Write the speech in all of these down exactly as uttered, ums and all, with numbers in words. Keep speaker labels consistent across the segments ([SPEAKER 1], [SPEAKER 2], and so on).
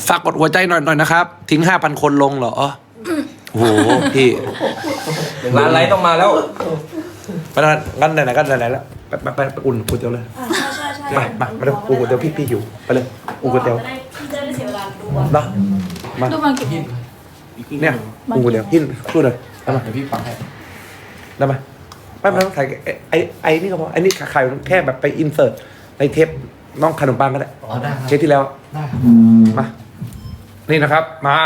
[SPEAKER 1] ฝากกดหัวใจหน่อยหน่อยนะครับ ทิ้งห้าพันคนลงเหรอโอ้โหพี่
[SPEAKER 2] ร้านไรต้องมาแล้ว
[SPEAKER 1] ไปแล้วงั้นไหนๆก็ไหนๆแล้วไปไปไปไปอุ่นก๋วยเตี๋ยวเลย
[SPEAKER 3] ใช่ใช่ใช่
[SPEAKER 1] ไปมามาเร็วอุ่นก๋วยเตี๋ยวพี่พี่หิวไปเลยอุ่นก๋วยเตี๋ยว
[SPEAKER 3] จะได้จะได้เสียเวลาดูอ่ะ
[SPEAKER 1] เนาะมา
[SPEAKER 3] ดูมากี่โมง
[SPEAKER 1] เนี่ยอุ่นก๋วยเตี๋ยวหินช่วยหน่อยได้ไหม
[SPEAKER 2] เดี๋ยวพี่ฟังให้
[SPEAKER 1] ได้ไหมไม่ไม่ต้องถ่ายไอ้ไอ้ไอ้นี่ก็พอไอ้นี่ขายแค่แบบไปอินเสิร์ตในเทปน้องขนมปังก็ได้
[SPEAKER 2] อ๋อได้ครับ
[SPEAKER 1] เทปที่แล้ว
[SPEAKER 2] ได้ครับ
[SPEAKER 1] มานี่นะครับมา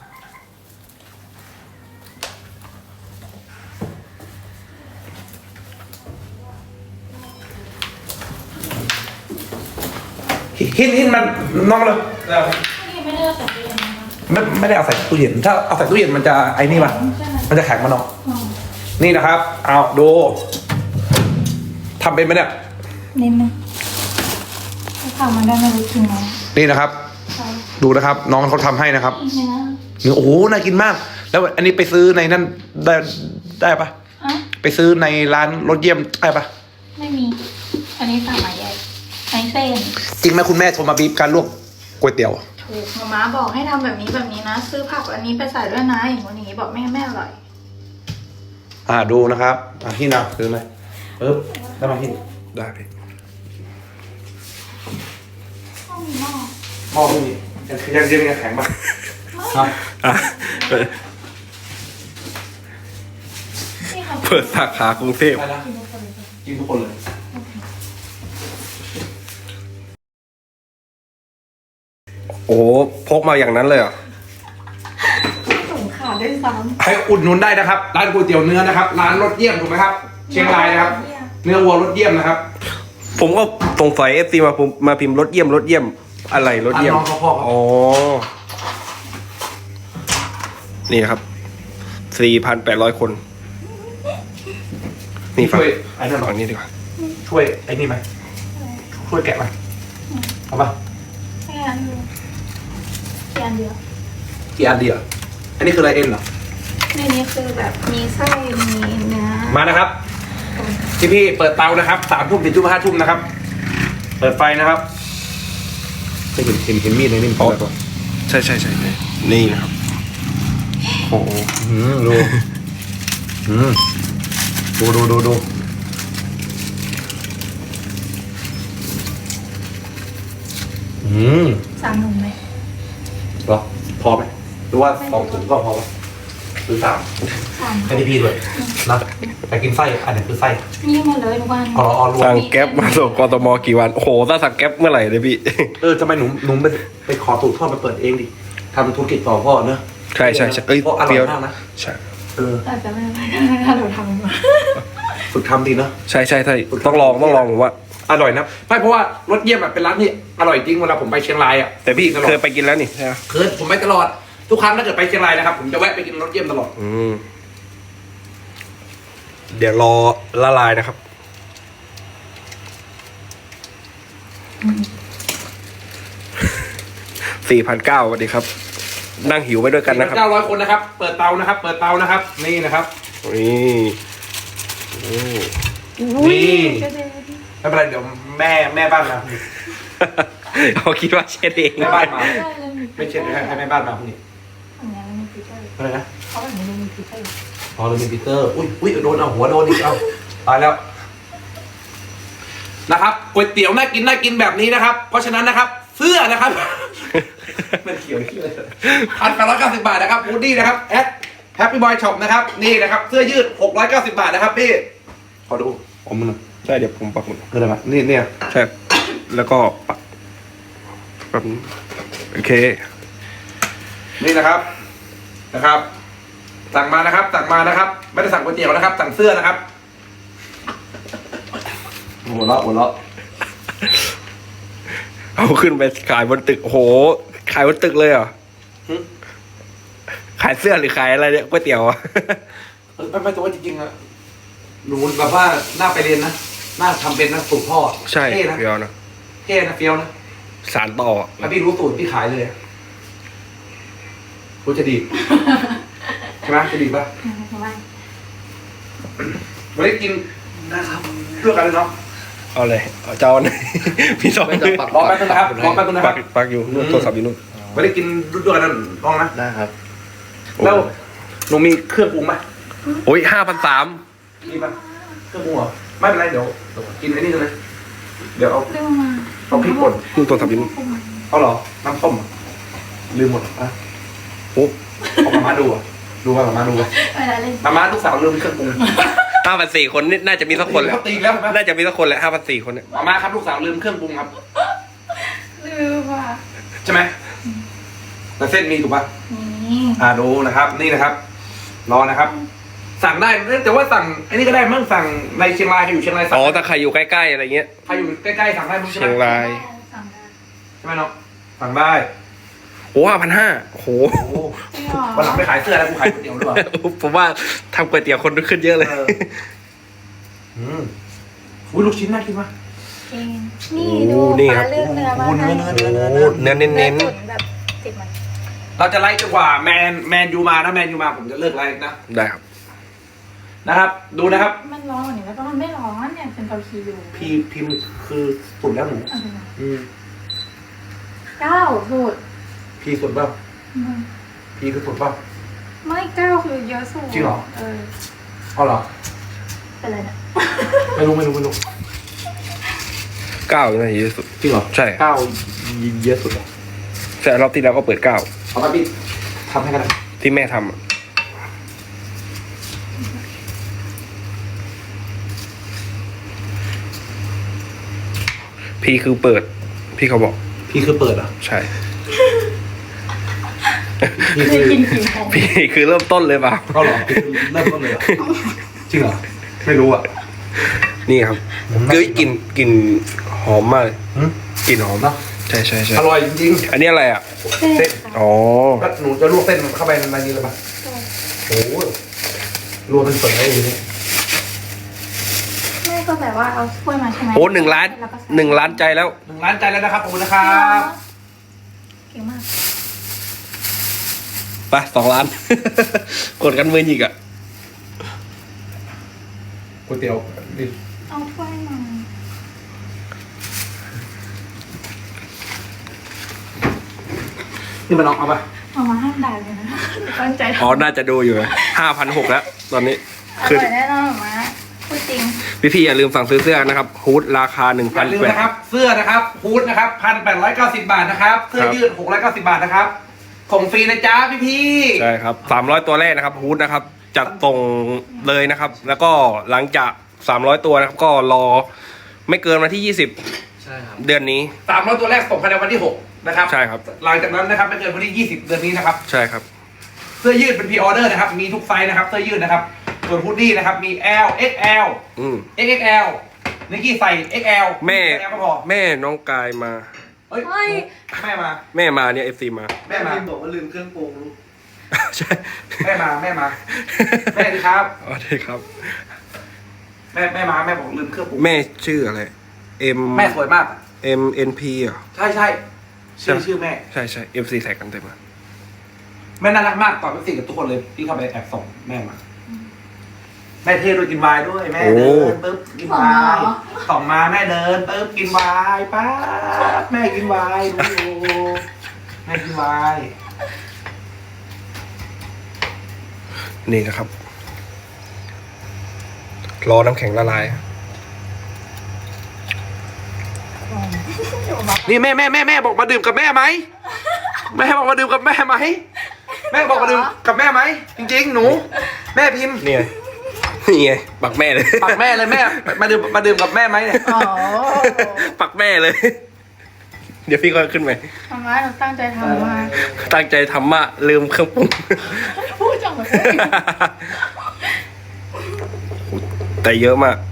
[SPEAKER 1] หินหินมันน้องเลย
[SPEAKER 3] นี่ไม่ได้ใส่ตู้เย็นนะคะ
[SPEAKER 1] ไม่ไม่ได้เอาใส่ตู้เย็นถ้าเอาใส่ตู้เย็นมันจะไอ้นี่ป่ะมันจะแข็งมาน้อง
[SPEAKER 3] อืม
[SPEAKER 1] นี่นะครับเอาดูทำเป็นไหมเนี่ย
[SPEAKER 3] นิดนึงถ้าทำมันได้ไม่รู้จริงไหม
[SPEAKER 1] นี่นะครับ
[SPEAKER 3] ใช่
[SPEAKER 1] ดูนะครับ น้องเขาทำให้นะครับ
[SPEAKER 3] เนื้อ
[SPEAKER 1] เนื้อโอ้โหน่ากินมาก แล้วอันนี้ไปซื้อในนั่นได้ได้ปะ
[SPEAKER 3] อ่ะ
[SPEAKER 1] ไปซื้อในร้านรถเยี่ยมได้ปะ
[SPEAKER 3] ไม่มี อันนี้สั่งมาใหญ่ไอเส้น
[SPEAKER 1] จริงไหมคุณแม่โทรมาบีบการลวกก๋วยเตี๋ยว
[SPEAKER 3] ถูกมาม่าบอกให้ทำแบบนี้แบบนี้นะ ซื้อผักอันนี้ไปใส่ด้วยนะอย่างนี้อย่างนี้บอกแม่แม่อร่อย
[SPEAKER 1] อ่าดูนะครับอ่าที่นะซื้อไหมปึ๊บได้ไหมที่ได้พี่
[SPEAKER 3] ต้องมีหม้อ
[SPEAKER 1] หม้อไม่มียังยังยังยังแข็งปะ
[SPEAKER 2] ครับ
[SPEAKER 1] อ่ะ
[SPEAKER 3] นี่ค่ะ
[SPEAKER 4] เปิดสาขากรุงเทพ
[SPEAKER 1] ได้แล้ว
[SPEAKER 3] กินทุกคนเลย
[SPEAKER 1] กินทุกคนเลย
[SPEAKER 4] โอ้โหพกมาอย่างนั้นเลยเหรอ
[SPEAKER 3] ถุงขาดด้วยซ้
[SPEAKER 1] ไปอุดหนุนได้นะครับ ร้านก๋วยเตี๋ยวเนื้อนะครับ ร้านรสเยี่ยมถูกไหมครับ
[SPEAKER 3] ำ
[SPEAKER 1] เชียงรายนะครับ เนื้อวัวรสเยี่ยมนะครับ
[SPEAKER 4] ผมก็สงสัยเอฟซีมาผมมาพิมพ์รถเยี่ยมรถเยี่ยมอะไรรถเยี่ยม
[SPEAKER 1] อ่ะน้องเขาพ่อครับ
[SPEAKER 4] อ๋อ นี่นะครับ สี่พันแปดร้อยคน นี่ฝั่ง
[SPEAKER 1] ช่วยไอ้นั่นหน่อย
[SPEAKER 4] ฝั่งนี้ดีกว่า
[SPEAKER 1] ช่วยไอ้นี่ไหมช่วยแกะไหมเอาปะ
[SPEAKER 3] แค่อันเดียวแค่อันเดียว
[SPEAKER 1] กี่อันเดียวอันนี้คืออะไรเอ็นเหรอ
[SPEAKER 3] ในนี้คือแบบมีไส้มีเนื้อ
[SPEAKER 1] มานะครับพี่พี่เปิดเตานะครับสามทุ่มถึงทุ่มห้าทุ่มนะครับ เปิดไฟนะครับจะเห็นเห็นเห็นมีดในนี่มันเป็นอะไรก่อน
[SPEAKER 4] ใช่ใช่ใช่ใช่นี่นะครับ โอ้โห
[SPEAKER 1] อืมดูอืมดูดูดูดูอืม
[SPEAKER 3] สามหนุ่มไหม
[SPEAKER 1] เหรอพอไหมหรือว่าสองถุงก็พอไหมหรือสาม
[SPEAKER 3] สาม
[SPEAKER 1] ให้พี่พี่ด้วยนะแต่กินไส้อันไหนคือไส้
[SPEAKER 3] นี่มาเลยทุกวัน
[SPEAKER 1] อ๋ออ๋อรวม
[SPEAKER 4] สั่งแก๊ปมาส่งกทมกี่วัน โอ้โหถ้าสั่งแก๊ปเมื่อไหร่เลยพี่
[SPEAKER 1] เออทำไมหนูหนูไปไปขอสูตรพ่อมาเปิดเองดิทำธุรกิจต่อพ่อเนอะ
[SPEAKER 4] ใช่ใช่ใช่เอ้ย
[SPEAKER 1] เพราะอร่
[SPEAKER 4] เปรี้
[SPEAKER 1] อย
[SPEAKER 4] ยว
[SPEAKER 1] มากนะ
[SPEAKER 4] ใช่
[SPEAKER 1] เออ
[SPEAKER 3] แต่จะไม่ได้ถ้าเราทำมา
[SPEAKER 1] ฝึกทำดีเนอะ
[SPEAKER 4] ใช่ใช่ใช่ต้องลองต้องลองผมว่า
[SPEAKER 1] อร่อยนะไม่เพราะว่ารสเยี่ยมอะเป็นร้านที่อร่อยจริงเวลาผมไปเชียงรายอ่ะ
[SPEAKER 4] แต่พี่
[SPEAKER 1] ตลอด
[SPEAKER 4] เคยไปกินแล้วนี่ใช่ไหม
[SPEAKER 1] เคยผมไปตลอดทุกครั้งถ้าเกิดไปเชียงรายนะครับผมจะแวะไปกินรสเยี่ยมตลอด
[SPEAKER 4] อืม เดี๋ยวรอละลายนะครับ สี่พันเก้าสวัสดีครับ นั่งหิวไปด้วยกันนะครับ
[SPEAKER 1] เก้าร้อยคนนะครับ เปิดเตานะครับ เปิดเตานะครับ นี่นะครับ
[SPEAKER 4] นี่โอ้
[SPEAKER 1] นี่ ไม่เป็นไรเดี๋ยวแม่แม่บ้านมาพรุ่งนี้
[SPEAKER 4] เขาคิดว่าเช็ดเอง
[SPEAKER 1] แม่บ้านมาไม่เช็ดให้ให้แม่บ้านมาพรุ่งนี้
[SPEAKER 3] อันนี้มันมีฟิลเตอร์
[SPEAKER 1] อะไรนะ
[SPEAKER 3] เขาแบบนี้มันมีฟิลเตอร์
[SPEAKER 1] อ๋อเราเป็นปีเตอร์ อุ้ยอุ้ยโดนเอาหัวโดนอีกเอาตายแล้วนะครับก๋วยเตี๋ยวน่ากินน่ากินแบบนี้นะครับ เพราะฉะนั้นนะครับ เสื้อนะครับ ไม่เขียวที่เลยพันแปดร้อยเก้าสิบบาทนะครับวูดดี้นะครับแอดแฮปปี้บอยช็อปนะครับนี่นะครับเสื้อยืดหกร้อยเก้าสิบบาทนะครับพี่ขอดูผมมัน
[SPEAKER 4] ใช่เดี๋ยวผมปักหมุด
[SPEAKER 1] คืออะไรมานี่เนี่ย
[SPEAKER 4] ใช่ แล้วก็ปักแบบนี้โอเค
[SPEAKER 1] นี่นะครับนะครับ สั่งมานะครับสั่งมานะครับ ไม่ได้สั่งก๋วยเตี๋ยวนะครับ สั่งเสื้อนะครับหัวเราะหัวเราะ
[SPEAKER 4] เอาขึ้นไปขายบนตึกโอ้โห ขายบนตึกเลยเหรอ ขายเสื้อหรือขายอะไรเนี่ยก๋วยเตี๋ยวอะ
[SPEAKER 1] เออไม่ไม่แต่ว่าจริงๆอะหนูแบบว่าหน้าไปเรียนนะหน้าทำเป็นนะสูตรพ่อ
[SPEAKER 4] ใช่
[SPEAKER 1] เท่นะ
[SPEAKER 4] เฟียวนะ
[SPEAKER 1] เท่นะเฟี้ยวนะ
[SPEAKER 4] สารต่ออะ
[SPEAKER 1] ถ้าพี่รู้สูตรพี่ขายเลยอะรู้จะดี ใช่ไหมจะดีป่ะ
[SPEAKER 3] ทำไม
[SPEAKER 1] วันนี้กินนะครับเพื่อกันเลยเนาะ
[SPEAKER 4] เอาเลยเอาเจ้าหน่อย พี่สอง
[SPEAKER 2] ไม่ต้องปัก
[SPEAKER 1] รอแป๊บนึงนะครับรอแป๊บนึงนะค
[SPEAKER 4] ปั
[SPEAKER 1] รับ
[SPEAKER 4] กปักอยู่นู่นโทรศัพท์อยู่นู่น
[SPEAKER 1] อ๋อไม่ได้กินด้วยกันลองนะ
[SPEAKER 2] ได้ครับ
[SPEAKER 1] แล้วหนูมีเครื่องปรุงไหม
[SPEAKER 4] โอ้ยห้าพันสาม
[SPEAKER 1] มีปะเครื่องปรุงเหรอไม่เป็นไรเดี๋ยวกินไอ้นี่กันเลยเดี๋ยวเอา
[SPEAKER 3] เรื่องมา
[SPEAKER 1] เอาพริกป่น
[SPEAKER 4] มึงตัวสับยิน
[SPEAKER 1] เอาเหรอน้ำส้มเหรอลืมหมดอ่ะ
[SPEAKER 4] โอ้
[SPEAKER 1] เอามามาดูอ่ะดูว่ามามาดูอ่ะ
[SPEAKER 3] เวลาเล่น
[SPEAKER 1] มามาลูกสาวลืมเครื่องปรุง
[SPEAKER 4] ห้าพันสี่คนนี่น่าจะมีสักคนแหละ
[SPEAKER 1] เขาตีแล้วเห็นปะ
[SPEAKER 4] น่าจะมีสักคนแหละห้าพันสี่คนเนี่ย
[SPEAKER 1] มามาครับลูกสาวลืมเครื่องปรุงครับ
[SPEAKER 3] ลืมว่ะ
[SPEAKER 1] ใช่ไหมแต่เส้นมีถูกปะ
[SPEAKER 3] นี่
[SPEAKER 1] อ่าดูนะครับ นี่นะครับ รอนะครับ สั่งได้แต่ว่าสั่งอันนี้ก็ได้มั้งสั่งในเชียงรายใครอยู่เชียงรายสั่
[SPEAKER 4] อ๋
[SPEAKER 1] ง
[SPEAKER 4] อถ้าใครอยู่ใกล้ๆอะไรเงี้ย
[SPEAKER 1] ใครอยู่ใกล้ๆสั่งได้มั้งใช่ไหม
[SPEAKER 4] เชียงราย
[SPEAKER 3] สั่งได้
[SPEAKER 1] ใช่ไหมน้องสั่งได้
[SPEAKER 4] โอ้ห้าพันห้าโอ้โห
[SPEAKER 1] โอ้
[SPEAKER 3] จริงเหรอ
[SPEAKER 1] วันหลังไปขายเสื้อแล้วกูขายก๋วยเตี๋ยวด้วย
[SPEAKER 4] ผมว่าทำก๋วยเตี๋ยวคนขึ้นเยอะเลย
[SPEAKER 1] เอออืมอุ้ยลูกชิ้นน่ากินมาก
[SPEAKER 3] จริงนี่ดูฟ้าเลือกเนื้อมาให้
[SPEAKER 1] เนื้อเนื้อเนื้อเนื้อ
[SPEAKER 4] เนื้อเน้น
[SPEAKER 3] เนื้อตุ๋นแบบติดมัน
[SPEAKER 1] เราจะไล่จนกว่าแมนแมนยูมาถ้าแมนยูมาผมจะเลิกไล่นะ
[SPEAKER 4] ๆได้ครับ
[SPEAKER 1] นะครับ ดูนะครับ
[SPEAKER 3] มันร้อนกว่านี้แล้วก็มันไม่ร้อนเนี่ยเป็นเตาคีอยู่
[SPEAKER 1] พีพิมพ์คือสุดแล้วหนู
[SPEAKER 3] เอาไปนะ
[SPEAKER 1] อืม
[SPEAKER 3] เก้าสุด
[SPEAKER 1] พีสุดเปล่า
[SPEAKER 3] อืม
[SPEAKER 1] พีคือสุดเปล่า
[SPEAKER 3] ไม่เก้าคือเยอะสุด
[SPEAKER 1] จริงเหรอ
[SPEAKER 3] เออ
[SPEAKER 1] เอาเหรอ
[SPEAKER 3] เป็นไรเนี่ย
[SPEAKER 1] ไม่รู้ไม่รู้ไม่รู้
[SPEAKER 4] เก้าน่าจะเยอะสุด
[SPEAKER 1] จริงเหรอ
[SPEAKER 4] ใช่
[SPEAKER 1] เก้าเยอะสุดเหรอ
[SPEAKER 4] แต่รอบที่แล้วก็เปิดเก้า
[SPEAKER 1] เอาไปพี่ทำให้กันนะ
[SPEAKER 4] ที่แม่ทำอะพี่คือเปิด พี่เขาบอก
[SPEAKER 1] พี่คือเปิดเหรอ
[SPEAKER 4] ใช่
[SPEAKER 1] พี่
[SPEAKER 3] เค
[SPEAKER 1] คื
[SPEAKER 3] ย
[SPEAKER 1] อ
[SPEAKER 3] กินขิงของ
[SPEAKER 4] พี่คือเริ่มต้นเลยเปล่า
[SPEAKER 1] ก็เหรอพี่คือเริ่มต้นเลยเหรอจริงเหรอไม่รู้อ่ะ
[SPEAKER 4] นี่ครับ
[SPEAKER 1] ผมน่า
[SPEAKER 4] คือกลิ่นกลิ่นหอมมากเลย
[SPEAKER 1] หืม
[SPEAKER 4] กลิ่นหอม
[SPEAKER 1] เนาะ
[SPEAKER 4] ใช่ใช่ใช่
[SPEAKER 1] อร่อยจริง
[SPEAKER 4] อันนี้อะไรอ่ะ
[SPEAKER 3] เส้น
[SPEAKER 4] อ๋อ
[SPEAKER 1] ๆแล้วหนูจะลวกเส้นเข้าไปในนี้เลยปะโอ้โหรวมเป็นเปิดได้เลยเนี่ย
[SPEAKER 3] แม่ก็แบบว่าเอาถ้วยมาใช่ไหม
[SPEAKER 4] โอ้หนึ่งล้าน
[SPEAKER 3] แล้วก็ใส่
[SPEAKER 4] หนึ่งล้านใจแล้ว
[SPEAKER 1] หนึ่งล้านใจแล้วนะครับขอบคุณนะครับ
[SPEAKER 3] เก่งมาก
[SPEAKER 4] ไปสองล้าน กดกันมืออีกอ่ะ
[SPEAKER 1] ก๋วยเตี๋ยวดิ
[SPEAKER 3] เอาถ้วยมา
[SPEAKER 1] นี่มันน้องเอาปะ
[SPEAKER 3] เอามาห้ามด่าเลยนะตั้งใจทำ
[SPEAKER 4] อ๋อ น่าจะดูอยู่ห้าพันหกแล้ว ตอนนี้
[SPEAKER 3] อ
[SPEAKER 4] คือ
[SPEAKER 3] ร่อยแน่นอนมาพูดจริง
[SPEAKER 4] พี่พี่ๆอย่าลืมสั่งซื้อเสื้อนะครับฮูดราคาหนึ่ง
[SPEAKER 1] อ
[SPEAKER 4] พัน
[SPEAKER 1] ย่าลืม
[SPEAKER 4] แปด
[SPEAKER 1] นะครับ เสื้อนะครับฮูดนะครับพันแปดร้อยเก้าสิบบาทนะครับ เสื้อ
[SPEAKER 4] ครับ
[SPEAKER 1] ยืดหกร้อยเก้าสิบบาทนะครับส่งฟรีนะจ๊ะพี่พี่
[SPEAKER 4] ใช่ครับสามร้อยตัวแรกนะครับฮูดนะครับ จัดส่งเลยนะครับ แล้วก็หลังจากสามร้อยตัวนะครับ ก็รอไม่เกินวันที่ยี่สิบ
[SPEAKER 2] ใช่ครับ
[SPEAKER 4] เดือนนี้
[SPEAKER 1] สามร้อยตัวแรกส่งภายในวันที่หกนะครับ
[SPEAKER 4] ใช่ครับ
[SPEAKER 1] หลังจากนั้นนะครับไม่เกินวันที่ยี่สิบเดือนนี้นะครับ
[SPEAKER 4] ใช่ครับ
[SPEAKER 1] เสื้อยืดเป็นพรีออเดอร์นะครับ มีทุกไซส์นะครับเสื้อยืดนะครับ ส่วนฮูดดี้นะครับ มี L เอ็กซ์ แอล
[SPEAKER 4] อืม
[SPEAKER 1] เอ็กซ์ เอ็กซ์ แอล นิกกี้ใส่ เอ็กซ์ แอล
[SPEAKER 4] แม่
[SPEAKER 1] เอ็กซ์ แอลก็พอ
[SPEAKER 4] แม่น้องกายมา
[SPEAKER 1] เฮ้ย
[SPEAKER 3] เฮ้ย
[SPEAKER 1] แม่มา
[SPEAKER 4] แม่มาเนี่ยเอฟซีมา
[SPEAKER 1] แม่มา
[SPEAKER 2] บอกว่าลืมเครื่องปรุงลูก
[SPEAKER 4] ใช่
[SPEAKER 1] แม่มา แม่มา แม่ดีครับ
[SPEAKER 4] อ๋อได้ครับ
[SPEAKER 1] แม่แม่มา แม่บอกลืมเครื่องปรุง
[SPEAKER 4] แม่ชื่ออะไร M
[SPEAKER 1] แม่สวยมากอะ
[SPEAKER 4] M N P เหรอ
[SPEAKER 1] ใช่ใช่ชื่อชื่อแม่
[SPEAKER 4] ใช่ใช่ F C แท็กกันเต็มเลย
[SPEAKER 1] แม่น่ารักมากตอบเป็นสิ่งกับทุกคนเลยพี่เข้าไปแอบส่งแม่มา แม่เท่ด้วยกินไวน์ด้วยแม่เดินปุ๊บกินไวน์ส่องมาแม่เดินปุ๊บกินไวน์ป๊าบแม่กินไวน์ดูอยู่แม่กินไวน์
[SPEAKER 4] นี่นะครับ รอน้ำแข็งละลาย
[SPEAKER 1] นี่แม่แม่แม่แม่บอกมาดื่มกับแม่ไหมแม่บอกมาดื่มกับแม่ไหมแม่บอกมาดื่มกับแม่ไหมจริงๆหนู แม่พิมพ์
[SPEAKER 4] นี่ไง นี่ไง ปักแม่เลย
[SPEAKER 1] ปักแม่เลยแม่มาดื่มมาดื่มกับแม่ไหมเนี่ย
[SPEAKER 3] อ๋อ
[SPEAKER 4] ปักแม่เลย เดี๋ยวพี่ก็ขึ้นไป
[SPEAKER 3] มาม่าหนูตั้งใจทำมาก
[SPEAKER 4] ตั้งใจทำมะลืมเครื่องปรุง
[SPEAKER 3] พูดจังเลย
[SPEAKER 4] แต่เยอะมาก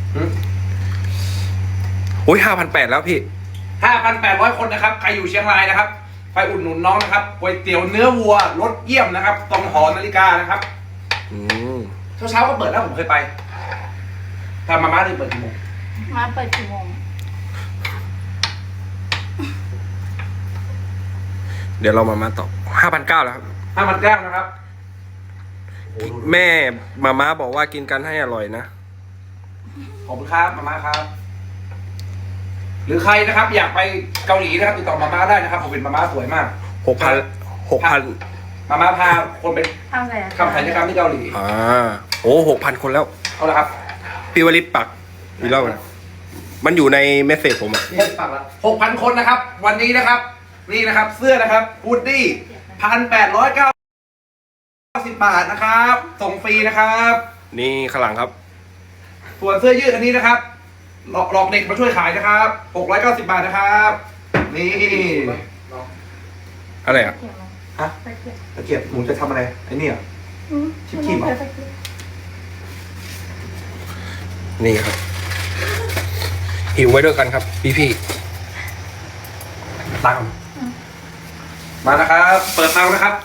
[SPEAKER 4] โอ้ยห้าพันแปดแล้วพี่
[SPEAKER 1] ห้าพันแปดร้อยคนนะครับใครอยู่เชียงรายนะครับไปอุดหนุนน้องนะครับก๋วยเตี๋ยวเนื้อวัวรสเยี่ยมนะครับตรงหอนาฬิกานะครับ
[SPEAKER 4] อืม
[SPEAKER 1] เช้าเช้าๆก็เปิดแล้วผมเคยไปถ้ามาม่าได้เปิดกี่โมง
[SPEAKER 3] มาเปิดกี่โมง
[SPEAKER 4] เดี๋ยวเรามามาต่อห้าพันเก้าแล้วครับ
[SPEAKER 1] ห้าพันเก้านะครับ
[SPEAKER 4] แม่มาม่าบอกว่ากินกันให้อร่อยนะ
[SPEAKER 1] ขอบคุณครับมาม่าครับ หรือใครนะครับ อยากไปเกาหลีนะครับติดต่อมาม่าได้นะครับผมเป็นมาม่าสวยมาก
[SPEAKER 4] หกพันหกพัน
[SPEAKER 1] มามาพาคนไป
[SPEAKER 3] ทำอะไรอะ
[SPEAKER 1] ทำศัลยกรรมที่เกาหลี
[SPEAKER 4] อ่าโอ้หกพันคนแล้ว
[SPEAKER 1] เอาละครับ
[SPEAKER 4] พี่วลิตปักอีกรอบนะมันอยู่ในเมสเซจผมอะ
[SPEAKER 1] นี่ฝากละหกพันคนนะครับ วันนี้นะครับ นี่นะครับ เสื้อนะครับวูดดี้พันแปดร้อยเก้าสิบบาทนะครับ ส่งฟรีนะครับ
[SPEAKER 4] นี่ข้างหลังครับ
[SPEAKER 1] ส่วนเสื้อยืดอันนี้นะครับหลอกหลอกเด็กมาช่วยขายนะครับหกร้อยเก้าสิบบาทนะครับ นี่
[SPEAKER 4] อะไรอ่ะ
[SPEAKER 1] ฮะตะเกียบหนูจะทำอะไรไอ้นี่อ่ะ ชิบๆเหรอ
[SPEAKER 4] นี่ครับ หิวไว้ด้วยกันครับ พี่พี่
[SPEAKER 1] ตังค์มานะครับ เปิดเตานะครับ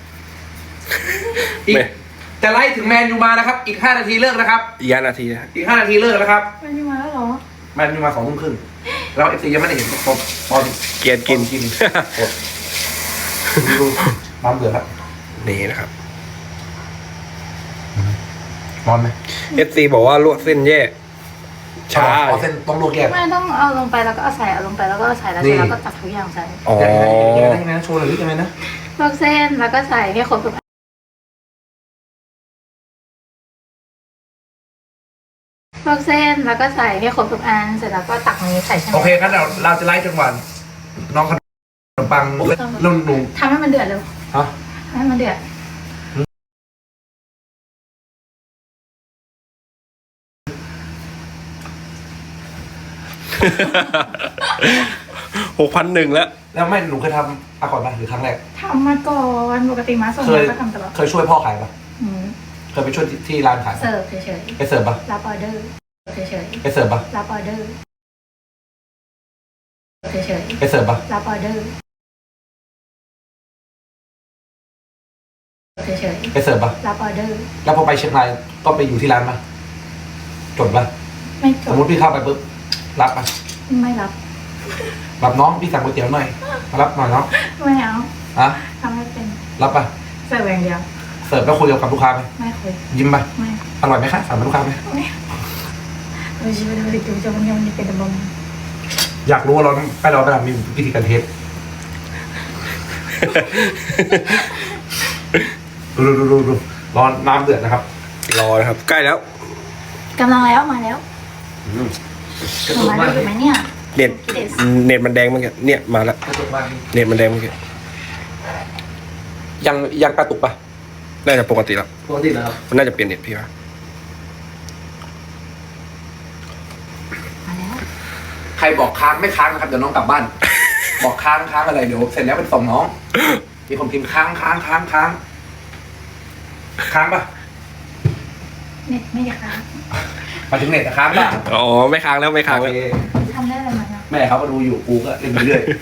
[SPEAKER 1] อีก
[SPEAKER 4] ไม่
[SPEAKER 1] จะไล่ถึงแมนยูมานะครับ อีกห้านาทีเลิกนะครับ
[SPEAKER 4] อีกห้านาทีนะ
[SPEAKER 1] อีกห้านาทีเลิกนะครับ
[SPEAKER 3] มันมาแล้วเหรอ
[SPEAKER 1] แมนยูมาสองทุ่มครึ่งแล้วเอฟซียังไม่ได้เห็นตอนตอน
[SPEAKER 4] เกียนกิน
[SPEAKER 1] ตอกินกดดูน้ำเดือดครับ
[SPEAKER 4] นี่นะครับ
[SPEAKER 1] ร้อนไหม
[SPEAKER 4] เอฟซีบอกว่าลวกเส้นแย่ ช้า
[SPEAKER 1] เอาเส้นต้องลวกแยก
[SPEAKER 3] ไม่ต้องเอาลงไปแล้วก็เอาใส่เอาลงไปแล้วก็เอาใส่แล้ว
[SPEAKER 1] นี่
[SPEAKER 3] เสร็จแล้วก็ตักทุกอย่างใส่
[SPEAKER 4] อ๋อ
[SPEAKER 1] ยังไงนะยังไงนะโชว์หน่อยดิยังไงนะ
[SPEAKER 3] ลวกเส้นแล้วก็ใส่ให้ครบทุกอันลวกเส้นแล้วก็ใส่ให้ครบทุกอันเสร็จแล้วก็ตักนี้ใส่ใช่ไหม
[SPEAKER 1] โอเคงั้นเราเราจะไล่จนวัน น้องขนมปังนุ่นหนู
[SPEAKER 3] ทำให้มันเดือดเร็ว
[SPEAKER 1] ฮะ
[SPEAKER 3] ทำให้มันเดือด
[SPEAKER 4] หกพันหนึ่งแล้ว
[SPEAKER 1] แล้วไม่หนูเคยทำอาก่อนป่ะหรือครั้งแรก
[SPEAKER 3] ทำมาก่อนปกติมาส่ง
[SPEAKER 1] เคย
[SPEAKER 3] ก็ทำตลอด
[SPEAKER 1] เคยช่วยพ่อขายป่ะ
[SPEAKER 3] อืม
[SPEAKER 1] เคยไปช่วยที่ที่ร้านขายป่ะ
[SPEAKER 3] เสิร์ฟเฉย
[SPEAKER 1] ไปเสิร์ฟป่ะ
[SPEAKER 3] ๆรับออเดอร์เฉย
[SPEAKER 1] ไปเสิร์ฟป่ะ
[SPEAKER 3] ๆรับออเดอร์เฉย
[SPEAKER 1] ไปเสิร์ฟป่ะ
[SPEAKER 3] ๆรับออเดอร์เฉย
[SPEAKER 1] ไปเสิร์ฟป่ะ
[SPEAKER 3] ๆรับออเดอร์
[SPEAKER 1] แล้วพอไปเชียงรายก็ไปอยู่ที่ร้านป่ะจดป่ะ
[SPEAKER 3] ไม่จ
[SPEAKER 1] สม
[SPEAKER 3] บ
[SPEAKER 1] มติพี่เข้าไปปุ๊บรับป่ะ
[SPEAKER 3] ไม่รับ
[SPEAKER 1] รับน้องพี่สั่งก๋วยเตี๋ยวหน่อยมารับหน่อยเนาะ
[SPEAKER 3] ไม่เอา
[SPEAKER 1] อะ
[SPEAKER 3] ทำไม่เป็น
[SPEAKER 1] รับป่ะ
[SPEAKER 3] เสิร์ฟอย่างเดียว
[SPEAKER 1] เสิร์ฟแล้วคุยกับลูกค้าไหม
[SPEAKER 3] ไม่คุย
[SPEAKER 1] ยิ้มป่ะ
[SPEAKER 3] ไม่
[SPEAKER 1] อร่อยไหมคะสั่งกับลูกค้าไหม
[SPEAKER 3] ไม่เราชีวิตเราดิบจะมันยังมันเป็นบอม
[SPEAKER 1] อยากรู้ว่าเราไปเราไปทำมีวิธีการเทสดูดูดูดูดูร้อนน้ำเดือดนะครับ
[SPEAKER 4] รอนะครับ ใกล้แล้ว
[SPEAKER 3] กำลังแล้วมาแล้วหนูมาได้อยู่ไหมเนี่ย
[SPEAKER 4] เน็ต
[SPEAKER 3] เด็ด
[SPEAKER 4] เน็ตมันแดงเมื่อกี้เนี่ยมาแล้ว
[SPEAKER 1] กระตุกมาก
[SPEAKER 4] เน็ตมันแดงเมื่อกี้
[SPEAKER 1] ยังยังกระตุกป่ะ
[SPEAKER 4] น่าจะปกติแล้ว
[SPEAKER 1] ปกตินะครับ
[SPEAKER 4] มันน่าจะเปลี่ยนเน็ตพี่ว่า
[SPEAKER 3] มาแล้ว
[SPEAKER 1] ใครบอกค้างไม่ค้างนะครับเดี๋ยวน้องกลับบ้าน บอกค้างค้างอะไรเดี๋ยวเสร็จแล้วเป็นส่งน้อง มีคนพิมพ์ค้างค้างค้างค้างค้างป่ะ
[SPEAKER 3] เน็ตไม่ได้ค่ะ
[SPEAKER 1] มาถึงเน็ตแต่ค้างป่ะ
[SPEAKER 4] อ๋อไม่ค้างแล้วไม่ค้าง
[SPEAKER 1] โอ
[SPEAKER 4] แล้ว
[SPEAKER 1] เค
[SPEAKER 3] ทำได้อะไรมาเนี่ย
[SPEAKER 1] แม่เขาก็ดูอยู่กูก็เล่นไปเรื่อย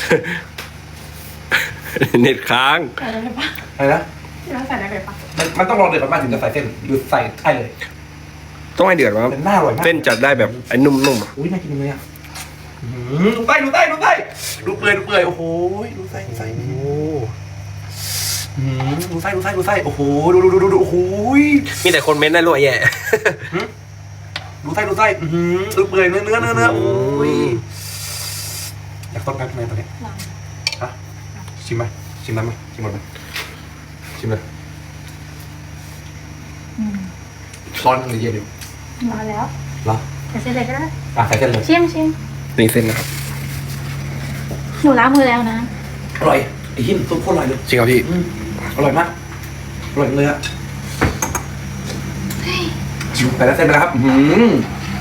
[SPEAKER 4] เน็ตค้าง
[SPEAKER 3] ใส่ได้เลยปะ
[SPEAKER 1] อะไรนะ
[SPEAKER 3] ที่เราใส่ได้เลยปะ
[SPEAKER 1] มันมันต้องรอเดือดประมาณถึงจะใส่เส้นหรือใส่ใช่เลย
[SPEAKER 4] ต้องให้เดือดมา
[SPEAKER 1] เป็นหน้าอร่อยมาก
[SPEAKER 4] เส้นจัดได้แบบไอ้นุ่มๆอะ
[SPEAKER 1] อุ้ยน่ากินเลยอ่ะอื้อหือดูไส้ดูไส้ดูไส้ดูเปื่อยดูเปื่อยโอ้โหดูไส้ดูไส้
[SPEAKER 4] โอ้
[SPEAKER 1] อื้อหือดูไส้ดูไส้ดูไส้โอ้โหดูดูดูดูดูโอ้โห
[SPEAKER 4] มีแต่คนเม้นต์ได้รวยแย่
[SPEAKER 1] ดูไส้ดูไส้อื้อหือดูเปื่อยเนื้อเนื้อเนื้อเนื้อโอ้ยอยากต้มกันทำไมตอนนี้
[SPEAKER 3] ลอง
[SPEAKER 1] ฮะชิมไหมชิมได้ไหมชิมหมดไหมชิมเลย
[SPEAKER 3] อืม
[SPEAKER 1] ร้อนหรือเย็นอยู่
[SPEAKER 3] มาแล้ว
[SPEAKER 1] เหรอ
[SPEAKER 3] ใส่เส้นเลยก็ได้
[SPEAKER 1] อ่ะใส่เส้นเลย
[SPEAKER 3] ชิมชิม
[SPEAKER 4] นี่เส้นนะครับ
[SPEAKER 3] หนูล้างมือแล้วนะ
[SPEAKER 1] อร่อยไอ้หินซุปโคตรอร่อยเลย
[SPEAKER 4] จริงครับพี่
[SPEAKER 1] อืมอร่อยมากอร่อยเลยอะชิมไปแล้วเส้นไปแล้วครับอื้อหือ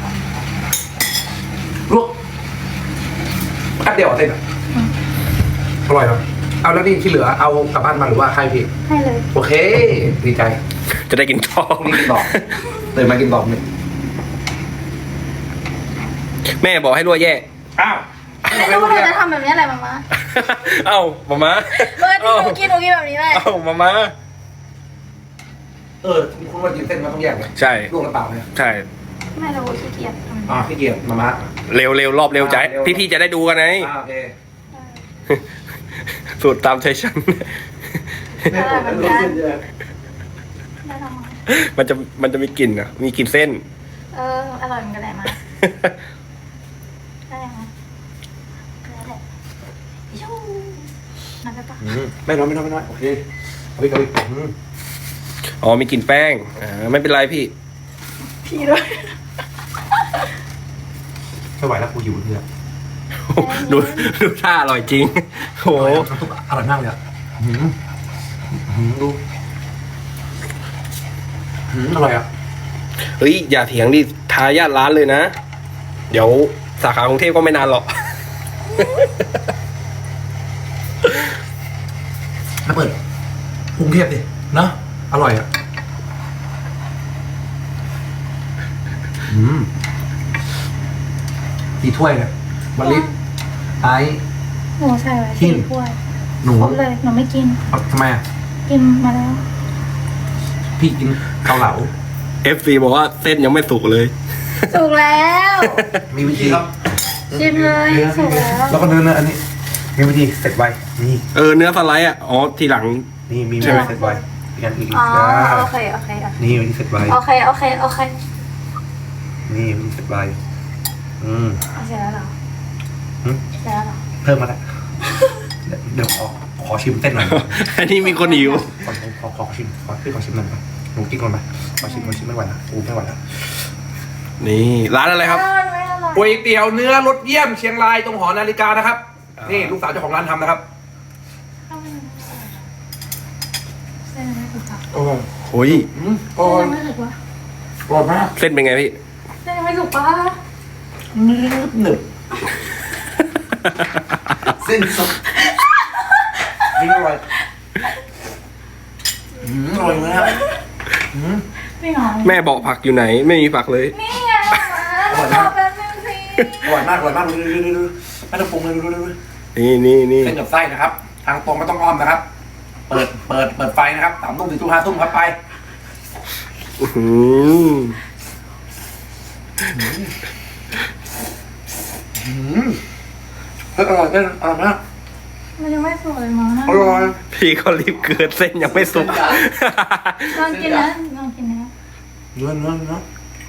[SPEAKER 1] ลวกแป๊บเดียวเอาเส้นอะอร่อยเนาะเอาแล้วนี่ที่เหลือเอากลับบ้านมาหรือว่าใครพี่
[SPEAKER 3] ให้เลย
[SPEAKER 1] โอเค ดีใจ
[SPEAKER 4] จะได้กินต่อ
[SPEAKER 1] พรุ่งนี้กินต่อตื่นมากินต่อเนี่ย
[SPEAKER 4] แม่บอกให้รวยแย่
[SPEAKER 1] อ้าว
[SPEAKER 3] ไม่รู้ว่าหนูจะทำแบบนี้อะไรมามา
[SPEAKER 4] เอ้ามามา
[SPEAKER 3] เออที่หนูกินหนูกินแบบนี้แหละ
[SPEAKER 4] เอ้ามามา
[SPEAKER 1] เออคุณว่ากินเส้นมันต้องแยกเลย
[SPEAKER 4] ใช่
[SPEAKER 1] ลวกน้ำเปล่าไหม
[SPEAKER 4] ใช่
[SPEAKER 3] ไม่เราขี้เกียจทำ
[SPEAKER 1] อ่าพี่เกียรติมาม่า
[SPEAKER 4] เร็วเร็วรอบเร็วใจ
[SPEAKER 1] เร็ว
[SPEAKER 4] พี่พี่ๆจะได้ดูกันไง
[SPEAKER 1] อ่าโอเค
[SPEAKER 4] สูตรตามใจฉัน
[SPEAKER 3] ได้เหมือนกันได้ทำมา
[SPEAKER 4] มันจะมันจะมีกลิ่นอ่ะ มีกลิ่นเส้น
[SPEAKER 3] เอออร่อยเหมือนกันแหละมาได้ยังไงได้แหละชูนั่นได้ปะ
[SPEAKER 1] อืมไม่น้อยไม่น้อยไม่น้อยโอเคเอาไปเอาไปอืม
[SPEAKER 4] อ๋อมีกลิ่นแป้งอ่าไม่เป็นไรพี่
[SPEAKER 3] พี่ด้วย
[SPEAKER 1] ไม่ไหวแล้วกูหิวเลยอะ
[SPEAKER 4] ดูดูท่าอร่อยจริงโอ้โห
[SPEAKER 1] น้ำซุปอร่อยมากเลยอ่ะอืมอืมดูอืมอร่อยอ่ะ
[SPEAKER 4] เฮ้ยอย่าเถียงดิทายาทร้านเลยนะ เดี๋ยวสาขากรุงเทพก็ไม่นานหรอก
[SPEAKER 1] มาเปิดกรุงเทพดิเนาะอร่อยอ่ะอืมกี่ถ้วยเนี่ยมะลิไอซ์
[SPEAKER 3] หนูใส่ไว้
[SPEAKER 1] กิ
[SPEAKER 3] สี่
[SPEAKER 1] น
[SPEAKER 3] ถ้วย
[SPEAKER 1] หนู
[SPEAKER 3] ครบเลย หนูไม่กิน
[SPEAKER 1] เอาทำไมอ่ะ
[SPEAKER 3] กินมาแล้ว
[SPEAKER 1] พี่กินเกาเหลา
[SPEAKER 4] เอฟซีบอกว่าเส้นยังไม่สุกเลย
[SPEAKER 3] สุกแล้ว
[SPEAKER 1] มีวิธีครับ
[SPEAKER 3] ชิมเลยสุกแล้ว
[SPEAKER 1] แล้วก็เนื้อเนื้ออันนี้ มีวิธีเสร็จไวนี่
[SPEAKER 4] เออเนื้อสไลด์อ่ะอ๋อทีหลัง
[SPEAKER 1] นี่มีวิ
[SPEAKER 4] ใช่ไหม
[SPEAKER 1] ธีเสร็จไวอีกอันอีก
[SPEAKER 3] อ๋อ
[SPEAKER 1] อ่า
[SPEAKER 3] โอเคโอเคโอเค
[SPEAKER 1] นี่วิธีเสร็จไว
[SPEAKER 3] โอเคโอเคโอเค
[SPEAKER 1] นี่วิธีเสร็จไวอืม
[SPEAKER 3] เอาเสร็จแล้วเหรอ
[SPEAKER 1] หืม
[SPEAKER 3] เสร็จแล้วเหรอ
[SPEAKER 1] เพิ่มมาแล้วเดี๋ยวเดี๋ยวขอขอชิมเต้นหน่อย
[SPEAKER 4] อันนี้มีคนหิว
[SPEAKER 1] ขอขอขอชิมขอพี่ขอชิมหน่อยไปหนูกินก่อนไปขอชิมขอชิมไม่ไหวแล้วกูไม่ไหวแล้ว
[SPEAKER 4] นี่ร้านอะไรครับ
[SPEAKER 3] อ้าวไม่อร่อย
[SPEAKER 1] ก๋วยเตี๋ยวเนื้อรสเยี่ยมเชียงรายตรงหอนาฬิกานะครับ นี่ลูกสาวเจ้าของร้านทำนะครับ
[SPEAKER 3] เอาไม่อร่อยเส้นไม่สุกอ่ะ
[SPEAKER 1] โอ้ย
[SPEAKER 4] โอ้ย
[SPEAKER 1] อืมอ
[SPEAKER 3] เส้
[SPEAKER 1] ร่อย
[SPEAKER 3] นไม่สุกวะ
[SPEAKER 1] อร่อยมาก
[SPEAKER 4] เส้นเป็นไงพี่
[SPEAKER 3] เส้นไม่สุกปะ
[SPEAKER 1] หนึบหนึบเส้นสดนี่อร่อยอืมอร่อยมากอืม
[SPEAKER 3] ไม่หรอ
[SPEAKER 4] แม่บอกผักอยู่ไหน ไม่มีผักเลย
[SPEAKER 3] นี่ไงมาแล้วรอแป๊บนึงสิ
[SPEAKER 1] อร่อยมากอร่อยมากดูดูดูดูไม่ต้องปรุงเลยดูดูดู
[SPEAKER 4] นี่นี่นี่
[SPEAKER 1] เส้นกับไส้นะครับ ทางตรงไม่ต้องอ้อมนะครับ เปิดเปิดเปิดไฟนะครับสามทุ่มถึงทุ่มห้าทุ่มครับไป
[SPEAKER 4] อื้อหือ
[SPEAKER 1] อืมเฮ้ยอร่อยเส้นอร่อยมาก
[SPEAKER 3] มันยังไม่สุกเลยมั้ง
[SPEAKER 1] อร่อย
[SPEAKER 4] พี่เขารีบเกิดเส้นยังไม่สุก
[SPEAKER 3] ลองกินนะลองกินนะ
[SPEAKER 1] เนื้อเนื้อเนื้อ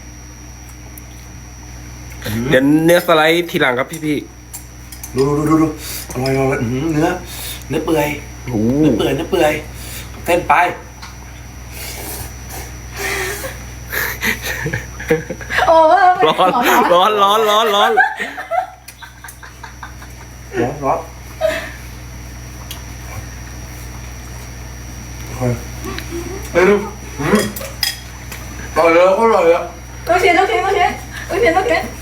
[SPEAKER 4] เดี๋ยวเนื้อสไลด์ทีหลังครับพี่พี่
[SPEAKER 1] ดูดูดูดูอร่อยอร่อยอื้อหือเนื้อเนื้อเปื่อย
[SPEAKER 4] ๆโอ้
[SPEAKER 1] เนื้อเปื่อยเนื้อเปื่อยเส้นไป
[SPEAKER 3] โอ้
[SPEAKER 4] ร้อนร้อนร้อนร้อนร้อน
[SPEAKER 1] ร้อนร้อนเฮ้ยเฮ้ยดูอืมอร่อยเลยก็อร่อยเลย
[SPEAKER 3] ลูกชิ้นลูกชิ้นลูกชิ้นลูกชิ้นลูกชิ้น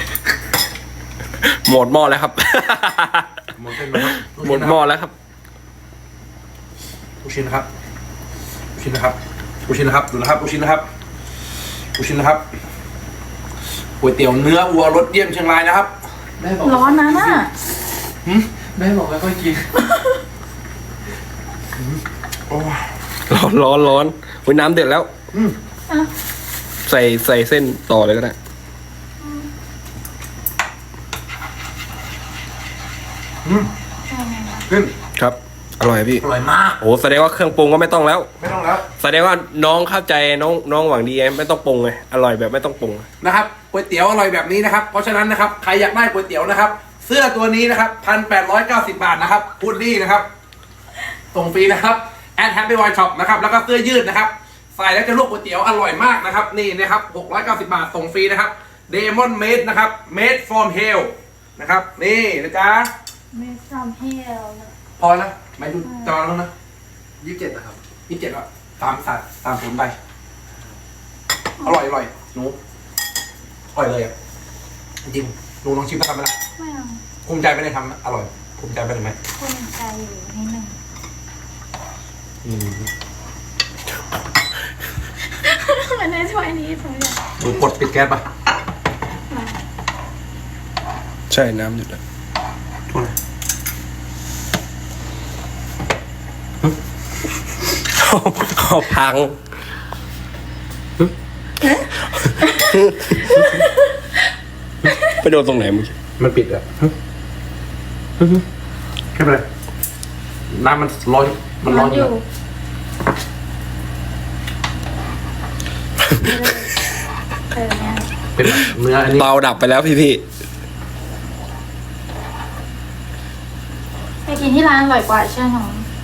[SPEAKER 4] หมดหม้อแล้วครับ
[SPEAKER 1] หมดเส้นนะครับ
[SPEAKER 4] หมดหม้อแล้วครับ
[SPEAKER 1] ลูกชิ้นนะครับลูกชิ้นนะครับลูกชิ้นนะครับดูนะครับลูกชิ้นนะครับลูกชิ้นนะครับก๋วยเตี๋ยวเนื้อวัวรสเยี่ยมเชียงรายนะครับ
[SPEAKER 2] แม่บอก
[SPEAKER 3] ร้อนนะน่ะ
[SPEAKER 2] แม่บอกไม่ค่อยกิน
[SPEAKER 1] โอ้ย
[SPEAKER 4] ร้อนร้อนร้อนอุ้ยน้ำเดือดแล้ว
[SPEAKER 1] อืม
[SPEAKER 3] อ่ะ
[SPEAKER 4] ใส่ใส่เส้นต่อเลยก็ได้
[SPEAKER 1] อืมขึ้น
[SPEAKER 4] ครับ อร่อยพี่
[SPEAKER 1] อร่อยมาก
[SPEAKER 4] โอ้แสดงว่าเครื่องปรุงก็ไม่ต้องแล้ว
[SPEAKER 1] ไม่ต้องแล้ว
[SPEAKER 4] แสดงว่าน้องเข้าใจน้องน้องหวังดีไงไม่ต้องปรุงไงอร่อยแบบไม่ต้องปรุง
[SPEAKER 1] นะครับก๋วยเตี๋ยวอร่อยแบบนี้นะครับเพราะฉะนั้นนะครับใครอยากได้ก๋วยเตี๋ยวนะครับ เสื้อตัวนี้นะครับพันแปดร้อยเก้าสิบบาทนะครับพูดดีนะครับส่งฟรีนะครับแอดแฮปปี้วอยช็อปนะครับแล้วก็เสื้อยืดนะครับใส่แล้วจะลวกก๋วยเตี๋ยวอร่อยมากนะครับนี่นะครับหกร้อยเก้าสิบบาทส่งฟรีนะครับเดมอนเมดนะครับ made from hell นะครับนี่นะจ๊ะ
[SPEAKER 3] ไม่ทำให้เรา
[SPEAKER 1] พอแล้วไม่ดูจอแล้วนะ
[SPEAKER 2] ยี่สิบเจ็ดนะครับ
[SPEAKER 1] ยี่สิบเจ็ดแล้วตามสัตว์ตามผลไปอร่อยอร่อยหนูอร่อยเลยอ่ะจริงๆหนูลองชิมแล้วทำไหมล่ะ
[SPEAKER 3] ไม่เอา
[SPEAKER 1] ภูมิใจไปในทำนะอร่อยภูมิใจไปเลยไหม
[SPEAKER 3] คนใจอยู่นิดนึง
[SPEAKER 1] อืม
[SPEAKER 3] มันในถ้วยนี้ถ้วยเดียว
[SPEAKER 1] หนูกดปิดแก๊สป่ะ
[SPEAKER 4] ใช่น้ำหยุดแล้ว
[SPEAKER 1] ช่วย
[SPEAKER 4] เอาพัง ไปโดนตรงไหนมึง
[SPEAKER 1] มันปิดอ่ะแค่ไปเลยน้ำมันร้อนมันร้อนอยู่
[SPEAKER 3] เออเนี่ย
[SPEAKER 1] เป็นแบบเนื้ออันนี้
[SPEAKER 4] เตาดับไปแล้วพี่พี่
[SPEAKER 3] ไปกินที่ร้านอร่อยกว่าเชื่อหนู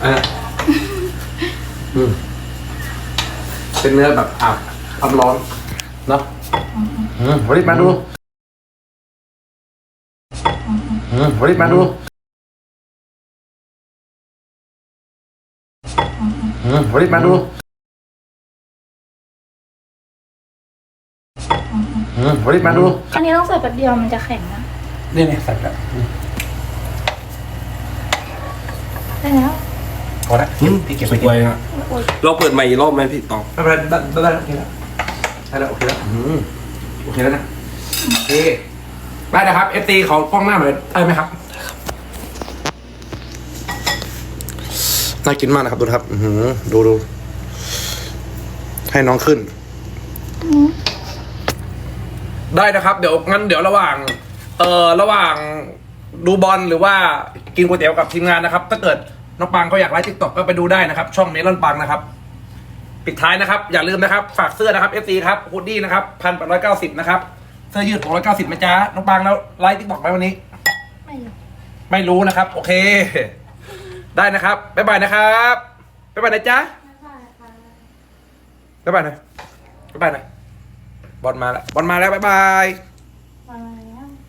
[SPEAKER 1] อ่ะอืมเป็นเนื้อแบบอาบความร้อนเนาะอืมวันนี้มาดูอืมวันนี้มาดูอืมวันนี้มาดูอืมวันนี้มาดู
[SPEAKER 3] อันนี้ต้องใส่แป๊บเดียวมันจะแข็งนะ
[SPEAKER 1] นี่นี่ใส่แล้ว
[SPEAKER 3] ได้แล้ว
[SPEAKER 1] พอละพี่เก็บ
[SPEAKER 4] สุ
[SPEAKER 1] ไป
[SPEAKER 4] ก
[SPEAKER 1] กิน
[SPEAKER 4] ไวนะ
[SPEAKER 3] โอ้ย
[SPEAKER 4] เราเปิดใหม่อีกรอบไหมพี่ตอง
[SPEAKER 1] ไม่เป็นไรได้ได้ได้โอเคแล้วได้แล้วโอเคแล้วอืมโอเคแล้วนะโอเคได้นะครับเอฟซีเขากล้องหน้าหน่อยได้ไหมครับน่ากินมากนะครับดูนะครับอือหือดูดูให้น้องขึ้น ได้นะครับ เดี๋ยวงั้นเดี๋ยวระหว่าง เอ่อระหว่างดูบอลหรือว่ากินก๋วยเตี๋ยวกับทีมงานนะครับ ถ้าเกิดน้องปังเขาอยากไลฟ์ทิกตอกก็ไปดูได้นะครับ ช่องเมลอนปังนะครับ ปิดท้ายนะครับ อย่าลืมนะครับฝากเสื้อนะครับเอฟซีครับฮูดดี้นะครับพันแปดร้อยเก้าสิบนะครับเสื้อยืดหกร้อยเก้าสิบนะจ๊ะน้องปังแล้วไลฟ์ทิกตอกไหมวันนี้
[SPEAKER 3] ไม่รู้
[SPEAKER 1] ไม่รู้นะครับ โอเค ได้นะครับบ๊ายบายนะครับบ๊ายบายนะจ๊ะ
[SPEAKER 3] ไม่ได้ค่ะ
[SPEAKER 1] บ๊ายบายหนะบ๊ายบายหนะบอลมาแล้วบอลมาแล้วบ๊ายบาย